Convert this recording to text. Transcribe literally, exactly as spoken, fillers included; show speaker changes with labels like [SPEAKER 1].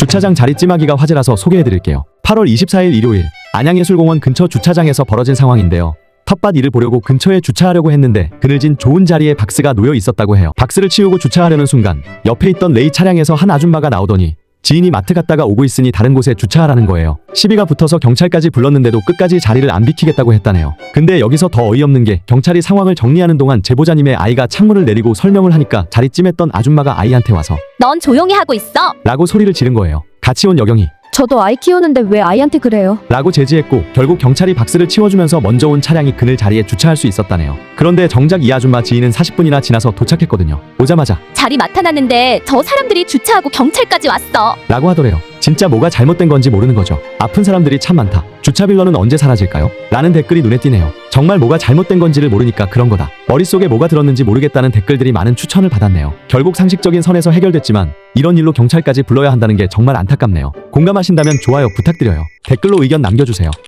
[SPEAKER 1] 주차장 자리 찜하기가 화제라서 소개해드릴게요. 팔월 이십사일 일요일 안양예술공원 근처 주차장에서 벌어진 상황인데요. 텃밭 일을 보려고 근처에 주차하려고 했는데 그늘진 좋은 자리에 박스가 놓여 있었다고 해요. 박스를 치우고 주차하려는 순간 옆에 있던 레이 차량에서 한 아줌마가 나오더니 지인이 마트 갔다가 오고 있으니 다른 곳에 주차하라는 거예요. 시비가 붙어서 경찰까지 불렀는데도 끝까지 자리를 안 비키겠다고 했다네요. 근데 여기서 더 어이없는 게 경찰이 상황을 정리하는 동안 제보자님의 아이가 창문을 내리고 설명을 하니까 자리 찜했던 아줌마가 아이한테 와서
[SPEAKER 2] 넌 조용히 하고 있어.
[SPEAKER 1] 라고 소리를 지른 거예요. 같이 온 여경이
[SPEAKER 3] 저도 아이 키우는데 왜 아이한테 그래요?
[SPEAKER 1] 라고 제지했고 결국 경찰이 박스를 치워주면서 먼저 온 차량이 그늘 자리에 주차할 수 있었다네요. 그런데 정작 이 아줌마 지인은 사십 분이나 지나서 도착했거든요. 오자마자
[SPEAKER 2] 자리 맡아놨는데 저 사람들이 주차하고 경찰까지 왔어.
[SPEAKER 1] 라고 하더래요. 진짜 뭐가 잘못된 건지 모르는 거죠. 아픈 사람들이 참 많다. 주차 빌런은 언제 사라질까요? 라는 댓글이 눈에 띄네요. 정말 뭐가 잘못된 건지를 모르니까 그런 거다. 머릿속에 뭐가 들었는지 모르겠다는 댓글들이 많은 추천을 받았네요. 결국 상식적인 선에서 해결됐지만 이런 일로 경찰까지 불러야 한다는 게 정말 안타깝네요. 공감하신다면 좋아요 부탁드려요. 댓글로 의견 남겨주세요.